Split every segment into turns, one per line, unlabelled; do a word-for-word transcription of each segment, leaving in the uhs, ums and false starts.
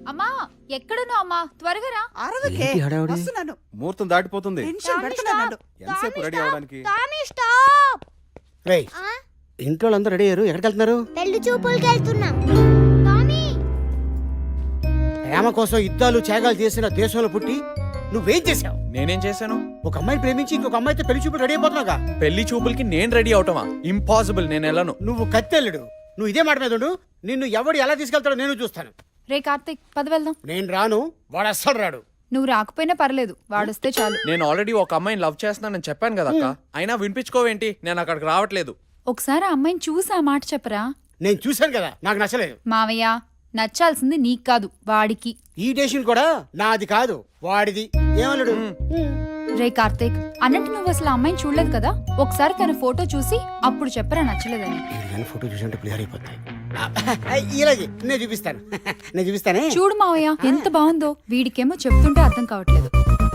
అమ్మా ఎక్కడున్నావు అమ్మా త్వరగా రా.
అరవకే
ఏంటి హడావుడి?
వస్తున్నాను.
ముహూర్తం దాటిపోతుంది.
టెన్షన్ పెడుతున్నాను.
ఎంతసేపు రెడీ అవడానికి?
రేయ్ ఇంట్లో అందరూ రెడీ అయ్యారు, ఎక్కడికి వెళ్తున్నారు?
పెళ్లి చూపులకి వెళ్తున్నాం. టామీ
ప్రేమ కోసం యుద్ధాలు త్యాగాలు చేసిన దేశంలో పుట్టి నువ్వేం చేసావు?
నేనేం చేశాను?
ఒక అమ్మాయిని ప్రేమించి ఇంకొక అమ్మాయితో పెళ్లి చూపులు రెడీ అయిపోతున్నావుగా.
పెళ్లి చూపులకి నేను రెడీ అవటమా? ఇంపాసిబుల్, నేను వెళ్ళను.
నువ్వు కత్తెల్లుడు. నువ్వు ఇదే మాట మీద ఉండు. నిన్ను ఎవడు ఎలా తీసుకెళ్తాడో నేను చూస్తాను.
రే కార్తీక్ పద వెళ్దాం.
నేను రాను, వాడు అస్సలు రాడు.
నువ్వు రాకపోయినా పర్లేదు, వాడొస్తే చాలు.
నేను ఆల్రెడీ ఒక అమ్మాయిని లవ్ చేస్తున్నానని చెప్పాను కదా అక్క. అయినా వినిపించుకోవేంటి? నేను అక్కడికి రావట్లేదు.
ఒకసారి ఆ అమ్మాయిని చూసి ఆ మాట చెప్పరా.
నేను చూశాను కదా, నాకు నచ్చలేదు.
మావయ్య నచ్చాల్సింది నీకు కాదు వాడికి.
ఈ డేషన్ కూడా నాది కాదు, వాడిది. ఏమన్నాడు?
రే కార్తీక్ అన్నట్టు నువ్వు అసలు ఆ అమ్మాయిని చూడలేదు కదా, ఒకసారి తన ఫోటో చూసి అప్పుడు చెప్పరా నచ్చలేదని.
నేను ఫోటో చూసంటే క్లియర్ అయిపోతాయి. ఇలాగే నేను చూపిస్తాను. నేను చూపిస్తానే.
చూడు మావయ్య ఎంత బాగుందో. వీడికేమో చెప్తుంటే అర్థం కావట్లేదు.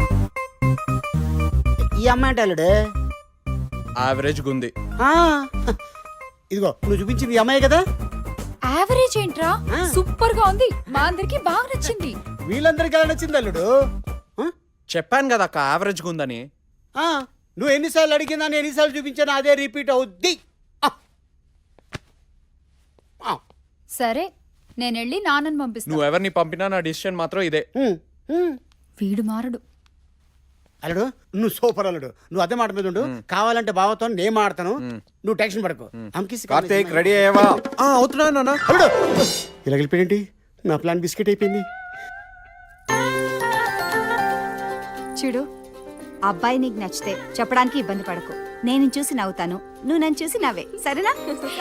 ఈ అమ్మాయి అంటే అల్లుడు
యావరేజ్ గుంది.
ఆ, ఇదిగో నువ్వు చూపించింది ఈ అమ్మాయి కదా.
యావరేజ్ ఏంట్రా, సూపర్ గా ఉంది. మా అందరికి బాగా నచ్చింది.
వీళ్ళందరికీ ఎలా నచ్చింది అల్లుడు? ఆ?
చెప్పాను కదా అక్క యావరేజ్ గుందని.
ఆ, నువ్వు ఎన్నిసార్లు అడిగినా నేను ఎన్నిసార్లు చూపించాను అదే రిపీట్ అవుద్ది. ఆ. ఆ.
సరే నేను వెళ్ళి నాన్నని పంపిస్తా.
నువ్వు ఎవరిని పంపినా నా డిసిషన్ మాత్రం ఇదే.
ఉమ్, ఉమ్.
వీడు మారడు.
అల్లుడు నువ్వు సూపర్ అల్లుడు. నువ్వు అదే మాట మీద ఉండు. కావాలంటే బావతో నేను మాడతాను, నువ్వు టెన్షన్ పడకు. అమ్కిసి
కార్తీక్ రెడీ అయ్యావా?
ఆ, అవుతున్నా నాన్న.
అల్లుడు ఇలా వెళ్ళిపోయింది. నా ప్లాన్ బిస్కెట్ అయిపోయింది.
చూడు, అబ్బాయి నీకు నచ్చితే చెప్పడానికి ఇబ్బంది పడకు. నేను చూసి నవ్వుతాను, నువ్వు నన్ను చూసి నవ్వే, సరేనా?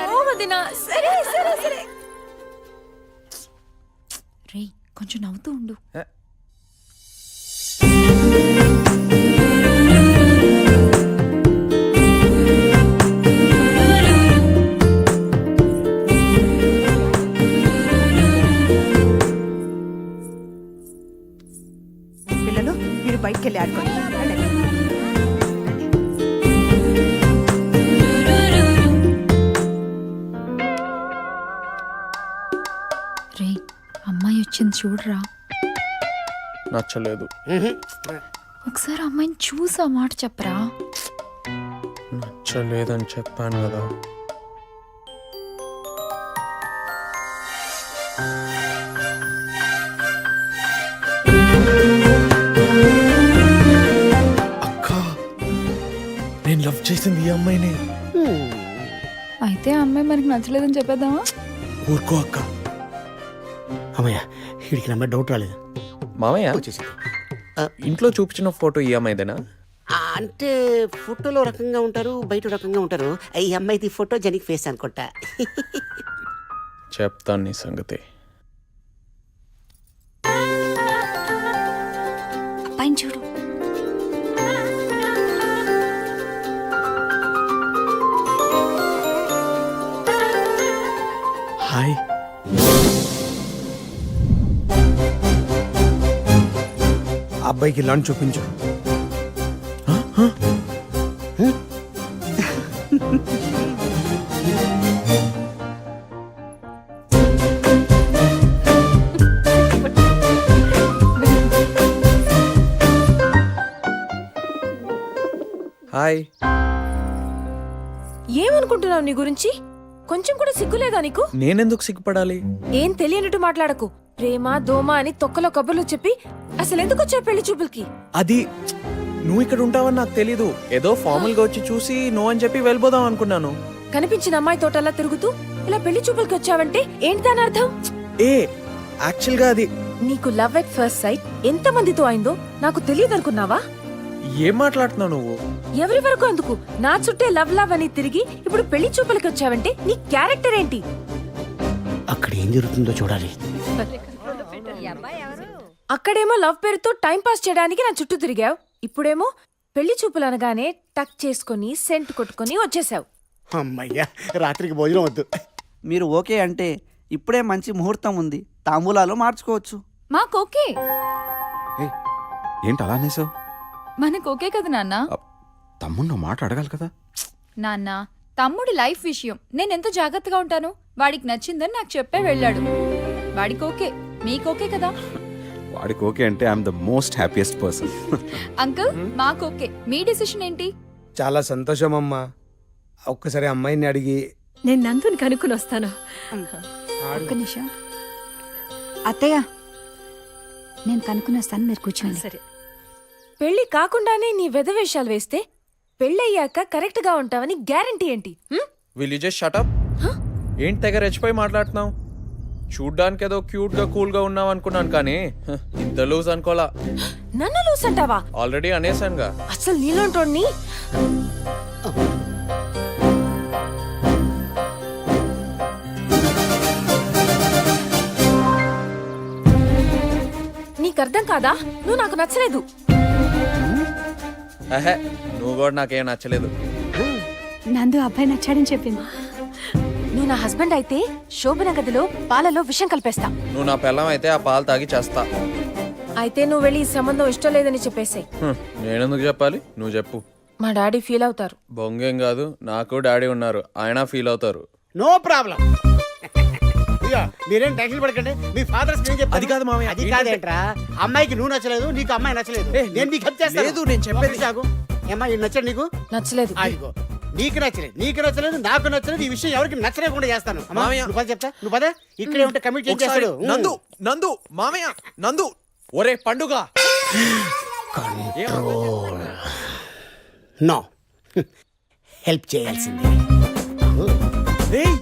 రే కొంచెం నవ్వుతూ ఉండు.
పిల్లలు మీరు బయటికి వెళ్ళి ఆడుకోండి. వెళ్ళండి.
రే అమ్మాయి వచ్చింది చూడరా.
నచ్చలేదు.
ఒకసారి అమ్మాయిని చూసి ఆ మాట చెప్పరా.
నచ్చలేదని చెప్పాను కదా. అక్క నేను లవ్ చేసింది ఈ అమ్మాయిని.
అయితే ఆ అమ్మాయి మనకి నచ్చలేదని చెప్పేద్దామా?
ఊరుకో అక్క.
అమ్మయ్య వీడికి నా మీద డౌట్ రాలేదు.
మామయ్య
వచ్చేసి
ఇంట్లో చూపించిన ఫోటో ఈ అమ్మాయిదేనా?
అంటే ఫోటోలో రకంగా ఉంటారు, బయట రకంగా ఉంటారు. ఈ అమ్మాయిది ఫోటో జనిక్ ఫేస్ అనుకుంటా.
చెప్తాను నీ సంగతి.
అబ్బాయిని చూడు.
హాయ్.
అబ్బాయికి లంచ్ చూపించు.
హాయ్.
ఏమనుకుంటున్నావు నీ గురించి? కొంచెం కూడా సిగ్గులేదా నీకు?
నేనెందుకు సిగ్గుపడాలి?
ఏం తెలియనట్టు మాట్లాడకు. ప్రేమ దోమ అని తొక్కలో కబుర్లు చెప్పి అసలు ఎందుకు వచ్చావు పెళ్లి చూపులకి?
అది నువ్వు ఇక్కడ ఉంటావని నాకు తెలీదు. ఏదో ఫార్మల్ గా వచ్చి చూసి నో అని చెప్పి వెళ్ళిపోదాం అనుకున్నాను.
కనిపించిన అమ్మాయి తోటలా తిరుగుతూ ఇలా పెళ్లి చూపులకి వచ్చావంటే ఏంటి దాని అర్థం?
ఏ యాక్చువల్ గా అది
నీకు లవ్ ఎట్ ఫస్ట్ సైట్ ఎంత మందితో అయిందో నాకు తెలియదు అనుకున్నావా?
ఏం మాట్లాడుతున్నావు నువ్వు?
ఎవరి వరకు అందుకు నా చుట్టే లవ్ లవ్ అని తిరిగి ఇప్పుడు పెళ్లి చూపులకి వచ్చావంటే నీ క్యారెక్టర్ ఏంటి?
అక్కడ ఏం జరుగుతుందో చూడాలి.
అక్కడేమో లవ్ పేరుతో టైం పాస్ చేయడానికి నా చుట్టూ తిరిగావు. ఇప్పుడేమో పెళ్లి చూపులు అనగానే టక్ చేసుకుని సెంట్ కొట్టుకుని వచ్చేసావు.
అమ్మయ్యా రాత్రికి భోజనం వద్దు.
మీరు ఓకే అంటే ఇప్పుడే మంచి ముహూర్తం ఉంది, తాంబూలాలు మార్చుకోవచ్చు.
మాకు ఓకే.
ఏంటి అలా అనేసావు?
మనకు ఓకే కదా నాన్న.
తమ్ముడు మాట అడగాలి కదా.
నాన్న తమ్ముడి లైఫ్ విషయం నేనెంత జాగ్రత్తగా ఉంటాను. వాడికి నచ్చిందని నాకు చెప్పే వెళ్ళాడు. వాడికి ఓకే, మీకు ఓకే కదా?
వాడికి ఓకే అంటే I'm the most happiest person.
Uncle మాకు ఓకే. మీ డిసిషన్ ఏంటి?
చాలా సంతోషం అమ్మా. ఒక్కసారి అమ్మాయిని అడిగి
నేను నందుని కనుక్కుని వస్తాను.
ఒక్క నిమిషం అత్తయ్య, నేను కనుక్కుని వస్తాను, మీరు కూర్చోండి.
సరే. పెళ్లి కాకుండానే నీ వెధవేషాలు వేస్తే పెళ్ళయ్యాక కరెక్ట్ గా ఉంటావని గ్యారంటీ ఏంటి? Hmm?
Will you just shut up? ఏంటి తెగ రెచ్చిపోయి మాట్లాడుతున్నావు? చూడ్డానికి ఏదో క్యూట్ గా కూల్ గా ఉన్నావు అనుకున్నాను, కానీ హ, ఇంత లూజ్ అనుకోలా.
నన్ను లూస్ అంటావా?
ఆల్రెడీ అనేసానుగా.
అసలు నీలోంటోడ్ని నీకు అర్థం కాదా? నువ్వు నాకు నచ్చలేదు.
అహే, నువ్వు కూడా నాకేం నచ్చలేదు.
నందు అబ్బాయి నచ్చాడని చెప్పింది.
నువ్వు నా హస్బెండ్ అయితే శోభన గదిలో పాలలో విషం కలిపేస్తా.
నువ్వు నా పిల్లం అయితే ఆ పాలు తాగి చేస్తా.
అయితే నువ్వు వెళ్ళి ఈ సంబంధం ఇష్టం లేదని చెప్పేసాయి.
హ్మ్, నేనెందుకు చెప్పాలి? నువ్వు చెప్పు.
మా డాడీ ఫీల్ అవుతారు.
బొంగేం కాదు, నాకు డాడీ ఉన్నారు, ఆయన ఫీల్ అవుతారు.
No problem. ఇదిగో, మీరేం టెన్షన్ పడకండి. మీ ఫాదర్
అది కాదు మామయ్య.
అది కాదేంట్రా, అమ్మాయికి నువ్వు నచ్చలేదు, నీకు అమ్మాయి నచ్చలేదు.
ఏ,
నేను నీకు హెల్ప్ చేస్తాను.
లేదు, నేను చెప్పేది.
ఒక్క సాగు. ఏమ్మా, ఇది నచ్చడు నీకు?
నచ్చలేదు.
ఆగిపో. నీకు నచ్చలేదు, నీకు నచ్చలేదు, నాకు నచ్చలేదు. ఈ విషయం ఎవరికి నచ్చలేకుండా చేస్తాను. అమ్మా,
మామయ్య.
నువ్వు పద చెప్తా, నువ్వు పదే. ఇక్కడే ఉంటే కమిట్
ఒకసారి
చేస్తాడు.
నందు నందు మామయ్య నందు, ఒరే పండుగ.
నో, హెల్ప్ చేయాల్సిందే.
ఏయ్,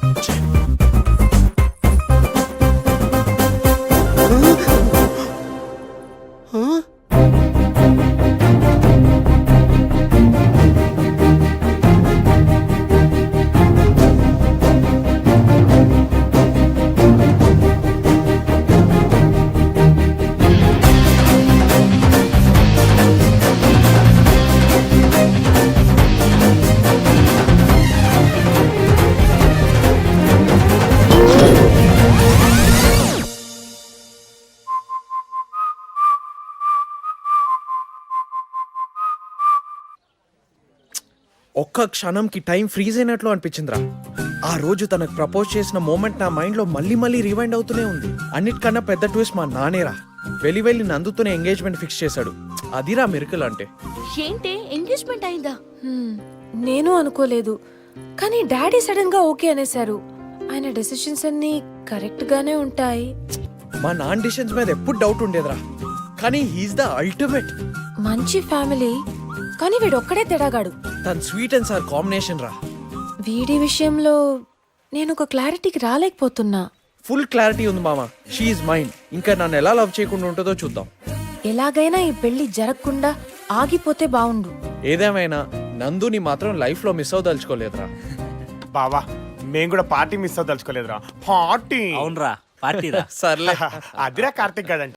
ఒక్క క్షణంకి టైం ఫ్రీజ్ అయినట్లు అనిపించిందిరా. ఆ రోజు తనకు ప్రపోజ్ చేసిన మూమెంట్ నా మైండ్ లో మళ్ళీ మళ్ళీ రివైండ్ అవుతూనే ఉంది. అన్నిటికన్నా పెద్ద ట్విస్ట్ మా నానేరా. వెళ్ళి వెళ్ళి నందుతోనే ఎంగేజ్మెంట్ ఫిక్స్ చేశాడు. అదిరా మిరకల్ అంటే.
ఏంటి ఎంగేజ్మెంట్ అయిందా? నేను అనుకోలేదు, కానీ డాడీ సడన్ గా ఓకే అనేసారు. ఆయన డెసిషన్స్ అన్ని కరెక్ట్ గానే ఉంటాయి.
మా నాన్న డిసిషన్స్ మీద ఎప్పుడు డౌట్ ఉండేదిరా, కానీ హీస్ ద అల్టిమేట్.
మంచి ఫ్యామిలీ, కానీ వీడు ఒక్కడే తెడాగాడు.
తన స్వీట్ అండ్ సార్ కాంబినేషన్ రా.
వీడి విషయంలో నేను ఒక క్లారిటీకి రాలేకపోతున్నా.
ఫుల్ క్లారిటీ ఉంది మామ. షీఈ్ మైండ్. ఇంకా నన్ను ఎలా లవ్ చేయకుండా ఉంటుందో చూద్దాం.
ఎలాగైనా ఈ పెళ్లి జరగకుండా ఆగిపోతే బావుండు.
ఏదేమైనా నందుని మాత్రం లైఫ్ లో మిస్ అవదలుచుకోలేదురా.
బావా, మేము కూడా పార్టీ మిస్ అవ్వదలుచుకోలేదురా. పార్టీ
అవునరా, పార్టీ
సర్లే.
అదిరా కార్తిక్ కదండి.